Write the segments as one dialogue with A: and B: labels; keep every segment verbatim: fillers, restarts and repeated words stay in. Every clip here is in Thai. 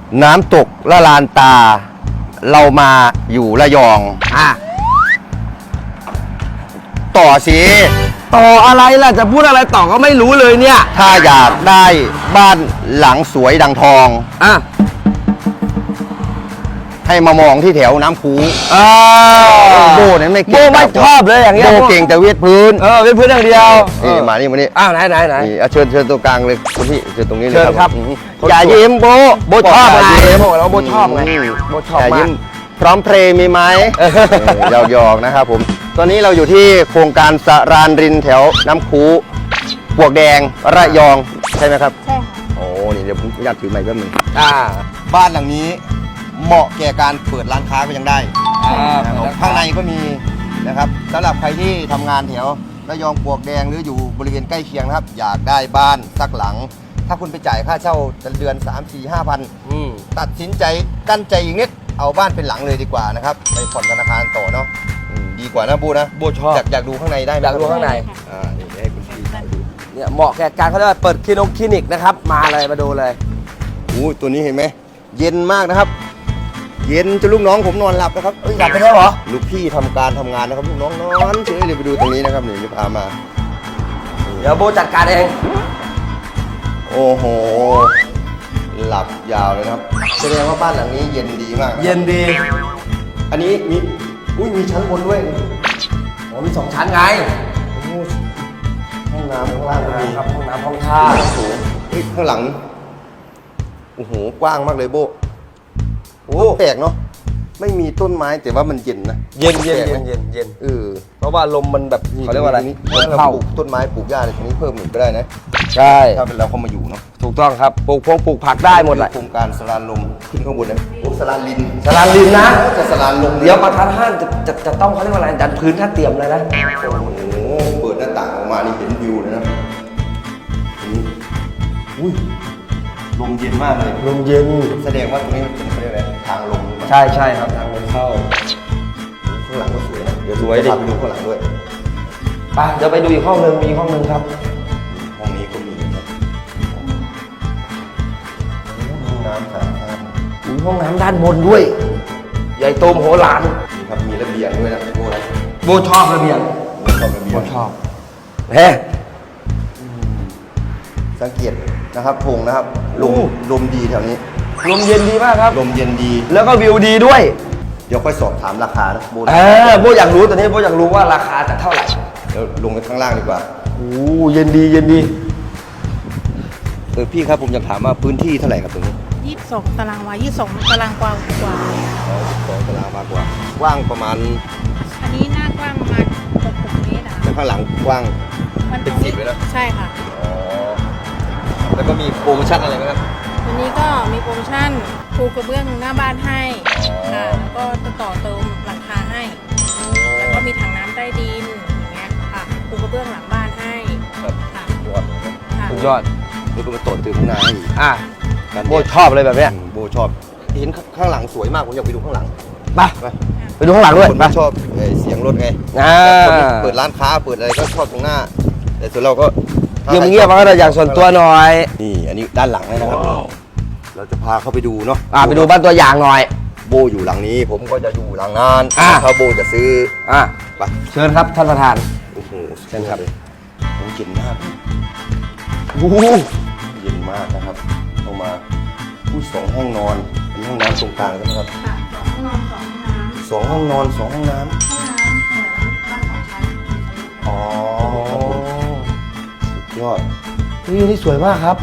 A: น้ำตกละลานตาเรามาอยู่ระยองอ่ะต่อสิ
B: ต่ออะไรล่ะจะพูดอะไรต่อก็ไม่รู้เลยเนี่ย
A: ถ้าอยากได้บ้านหลังสวยดังทอง
B: อ่ะ
A: ให้มามองที่แถวน้ำคูโบเนี่ยไม่เก่ง
B: โบไม่ชอบเลยอย่างเงี้ย
A: โบเก่งแต่เวียดพื้น
B: เออเวียดพื้นอย่างเดียว
A: นี่มานี่มานี่
B: อ้าวไหนไหนไหน
A: เชิญเชิญตัวกลางเลยคุณพี่เชิญตรงนี้เลย
B: เชิญครับ
A: อย่ายิ้มโบ
B: โบชอบไงโบเราโบชอบไงโบชอบมาก
A: พร้อมเพลงมีไหมหยอกๆนะครับผมตอนนี้เราอยู่ที่โครงการสรานรินแถวน้ำคูปวกแดงระยองใช่ไหมครับ
C: ใช่ค่ะ
A: โอ้นี่เดี๋ยวผมอยากถือไมค์แป๊บนึง
B: อ่า
A: บ้านหลังนี้เหมาะแก่การเปิดร้านค้าก็ยังได้ข้างในก็มีนะครับสำหรับใครที่ทำงานแถวระยองปวกแดงหรืออยู่บริเวณใกล้เคียงนะครับอยากได้บ้านสักหลังถ้าคุณไปจ่ายค่าเช่าเดือนสาม สี่ ห้าพันตัดสินใจกั้นใจอีกนิดเอาบ้านเป็นหลังเลยดีกว่านะครับไปผ่อนธนาคารต่อเนาะดีกว่านะบูนะ
B: บูชอบ
A: อยากอยากดูข้างในได้ไหม
B: อยากดูข้างใน
A: อ่านี่ให้คุณพี่ดู
B: เนี่ยเหมาะแก่การเขาเรียกว่าเปิดคลินิกคลินิกนะครับมาเลยมาดูเลย
A: โอ้ตัวนี้เห็นไหมเย็นมากนะครับเย็นจนลูกน้องผมนอนหลับนะครับ
B: หลับไปแล้วเหรอ
A: ลูกพี่ทำการทำงานนะครับลูกน้องนอนเฉยเลยไปดูตรงนี้นะครับนี่จะพามา
B: เดี๋ยวโบจัดการเอง
A: โอ้โหหลับยาวเลยนะครับแสดงว่าบ้านหลังนี้เย็นดีมาก
B: เย็นดี
A: อันนี้มีอุ้ยมีชั้นบนด้วย
B: โอ้มีสองชั้นไง
A: ห้องน้ำข้างล่างมี
B: ครับห้องน้ำห้องท่า
A: โอ้โหข้างหลังโอ้โหกว้างมากเลยโบโอ้แปลกเนาะไม่มีต้นไม้แต่ว่ามันเย็นนะ
B: เย็นเย็นเย็นเย็นเย็น
A: เออ
B: เพราะว่าลมมันแบบเขาเรียกว่าอะไร
A: เราปลูกต้นไม้ปลูกหญ้าอะไรตรงนี้เพิ่มหนึ่งก็ได้นะ
B: ใช่
A: ถ้าเป็นเราเข้ามาอยู่เนาะ
B: ถูกต้องครับปลูกพงปลูกผักได้หมดแหละ
A: โครงการสลานลมขึ้นข้างบนนะโอ้สลานลิน
B: สลานลินนะ
A: จะสลานลม
B: เดี๋ยวประธานห้างจะจะจะต้องเขาเรียกว่าอะไรดันพื้นท่าเตรียมเลยนะ
A: โอ้โหเปิดหน้าต่างออกมานี่เห็นวิวเลยนะอุ้ยลมเย็นมากเลย
B: ลมเย็น
A: แสดงว่าตรงนี้มันเป็นอะไรทางลม
B: ใช่ใช่ครับทางลมเข้า
A: ข้างหลังก็สวยนะ
B: เดี๋ยวสวยดิ
A: ไปดูข้างหลังด้วย
B: ไปเดี๋ยวไปดูอีกห้องหนึ่งมีห้องหนึ่งครับ
A: ห้องนี้ก็มีครับห้องน้ำครับ
B: มีห้องน้ำด้านบนด้วยใหญ่โตมโหฬาร
A: มีครับมีระเบียงด้วยนะโบนะ
B: โบชอบระเบียง
A: โบชอบระเบียง
B: โบชอบเฮ้
A: สังเกตนะครับโพงนะครับลมลมดีแถวนี้
B: ลมเย็นดีมากครับ
A: ลมเย็นดี
B: แล้วก็วิวดีด้วย
A: เดี๋ยวค่อยสอบถามราคานะโบ
B: เออโบอยากรู้ตอนนี้โบอยากรู้ว่าราคาจะเท่าไหร่
A: เดี๋ยวลงไปข้างล่างดีกว่า
B: โอ้เย็นดีเย็นดี
A: เออพี่ครับผมอยากถามว่าพื้นที่เท่าไหร่ครับตรงนี้
C: ยี่สิบสองตารางวายี่สิบสองตารางกว่ากว่า
A: อ๋อสองตารางวากว่ากว้างประมาณ
C: อันนี้หน้ากว้างประมาณหกสิบเมตรนะ
A: แต่ข้างหลังกว้าง
C: มันเป็นสิบเลยนะ
A: ใช่
C: ค่ะ
A: อ๋อแล้วก็มีโปรโมชั่นอะไรไหมครับ
C: วันนี้ก็มีโปรโมชั่นปูกระเบื้องหน้าบ้านให้ค่ะแล้วก็จะต่อเติมหลังคาให้แล้วก็มีถังน้ำใต้ดินอย่างเงี้ยค่ะปูกระเบื้องหลังบ้านให้
A: ครับ
C: ค่ะ
A: ยอด
B: สุดยอด
A: แล้วก็มาต่อเติมข้างหน้าอีก
B: อ่ะโบชอบเลยแบบเนี้ย
A: โบชอบเห็นข้างหลังสวยมากผมอยากไปดูข้างหลัง
B: ไปไปดูข้างหลังด้วย
A: คนชอบเสียงรถไงคนเปิดร้านค้าเปิดอะไรก็ชอบตรงหน้าแต่ส่วนเราก็
B: เงียบเงียบมาก็ได้อย่างส่วนตัวหน่อย
A: นี่อันนี้ด้านหลังเลยนะครับเราจะพาเข้าไปดูเนาะ
B: อ่าไปดูบ้านตัวอย่างหน่อย
A: โบอยู่หลังนี้ผมก็จะอยู่หลังนั้นถ้าโบจะซื้อ
B: อ่ะไปเชิญครับท่านประธาน
A: โอ้โหเชิญครับโอ้เย็นมาก
B: โอ้
A: เย็นมากนะครับเอามาผู้สองห้องนอนเป็นห้องน้ำตรงกลางใช่ไหมครับสองห้องนอนสองห้องน้ำอ๋อสุดยอด
B: นี่นี่สวยมากครับ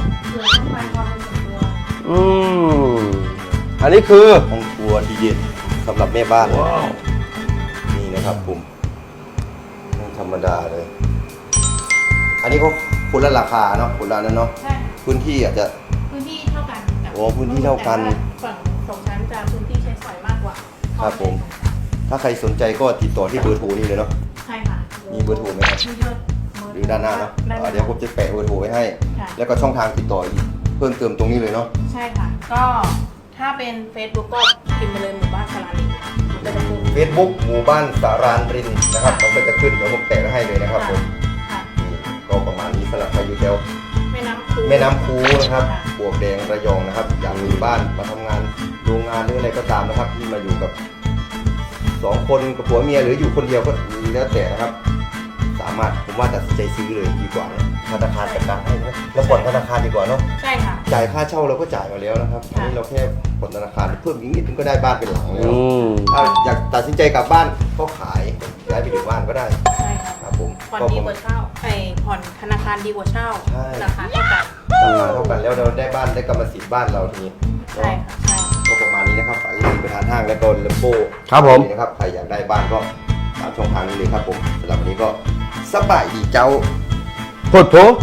B: อืมอันนี้คือ
A: ห้องครัวดีเด่นสำหรับแม่บ้านนี่นะครับผมธรรมดาเลยอันนี้ก็คนละราคาเนาะคนละนั้นเนาะพื้นที่อาจจะ
C: พื้นที่เท่ากัน
A: โอ้พื้นที่เท่ากัน
C: ฝั่งสองชั้นจะพื้นที่ใช้สอยมากกว่า
A: ครับผมถ้าใครสนใจก็ติดต่อที่เบอร์โทรนี่เลยเนาะ
C: ใช่ค่ะ
A: มีเบอร์โทรไหมครับหรือด้านหน้าเนาะเดี๋ยวผมจะแปะเบอร์โทรไว้ให้แล้วก็ช่องทางติดต่ออีกเพิ่มเติมตรงนี้เลยเนาะ
C: ใช่ค่ะก็ถ้าเป็น Facebook ก็พิมพ์ไปเลยหมู่บ้านสารานริน
A: เฟซบุ๊กหมู่บ้านสารานรินนะครับมันก็จะขึ้นเดี๋ยวผมแปะไว้ให้เลยนะครับผมก็ประมาณนี้สำหรับใครอยู่แถว
C: แม่น้ำคู
A: แม่น้ำคูนะครับปวกแดงระยองนะครับอยากมีบ้านมาทำงานานหรืออะไรก็ตามนะครับ ที่มาอยู่กับสองคนกับผัวเมียหรืออยู่คนเดียวก็แล้วแต่นะครับ สามารถผมว่าตัดสินใจซื้อเลยดีกว่านะธนาคารจัดการให้นะแล้วผ่อนธนาคารดีกว่าเนาะ
C: ใช่ค่ะ
A: จ่ายค่าเช่าเราก็จ่ายมาแล้วนะครับอันนี้เราแค่ผ่อนธนาคารเพิ่มอีกนิดนึงก็ได้บ้านเป็นหลังแล้ว
B: อืม
A: ถ้าอยากตัดสินใจกลับบ้านก็ขายย้ายไปอยู่บ้านก็ได้
C: ใช่ค่ะ
A: ครับผม
C: ผ่อน
A: ก็
C: ดี
A: ผม
C: กว่าเช่าไอ้ผ่อนธนาคารดีกว่าเช่า
A: ใช่
C: ราคาเท่ากัน
A: ราคาเท่ากันแล้วเราได้บ้านได้กรรมสิทธิ์บ้านเราทีนี้
C: ใช่ค่ะใช่
A: ก็ประมาณนี้นะครับฝากที่ประธานห้างและก็เลมโบ
B: ครับผม
A: นะครับใครอยากได้บ้านก็ตามช่องทางนี้เลยครับผมสำหรับวันนี้ก็สบายดีเจ้า
B: พุทโธ